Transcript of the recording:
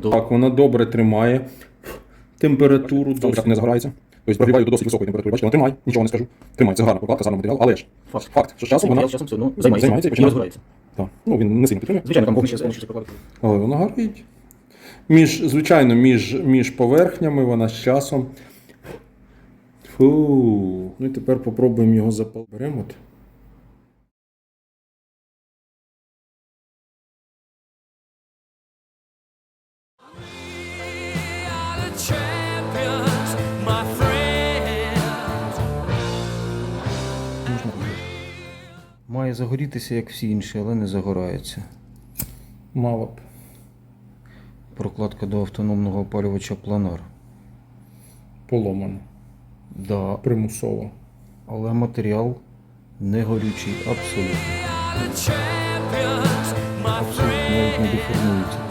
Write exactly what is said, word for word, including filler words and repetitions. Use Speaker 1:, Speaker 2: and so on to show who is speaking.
Speaker 1: до...
Speaker 2: Так, вона добре тримає температуру, добре не загорається. Тобто прогріваю до досить високої температури. Бачите, вона тримає, нічого не скажу. Тримає, це гарна прокладка, з гарного матеріалу, але ж
Speaker 1: Факт.
Speaker 2: факт, що з часом вона
Speaker 1: Матеріал з часом все одно займається,
Speaker 2: займається і
Speaker 1: і не
Speaker 2: починає
Speaker 1: розгорається.
Speaker 2: Так, ну він не сильно підтримує.
Speaker 1: Звичайно, там вогнище з прокладки.
Speaker 2: Але вона горить. Між, звичайно, між, між поверхнями вона з часом. Фу. Ну і тепер попробуємо його запалити. Беремо от.
Speaker 3: Має загорітися, як всі інші, але не загорається.
Speaker 2: Мало б.
Speaker 3: Прокладка до автономного опалювача Планар.
Speaker 2: Поломано.
Speaker 3: Да,
Speaker 2: Примусово.
Speaker 3: але матеріал не горючий, абсолютно. Абсолютно, навіть не деформується.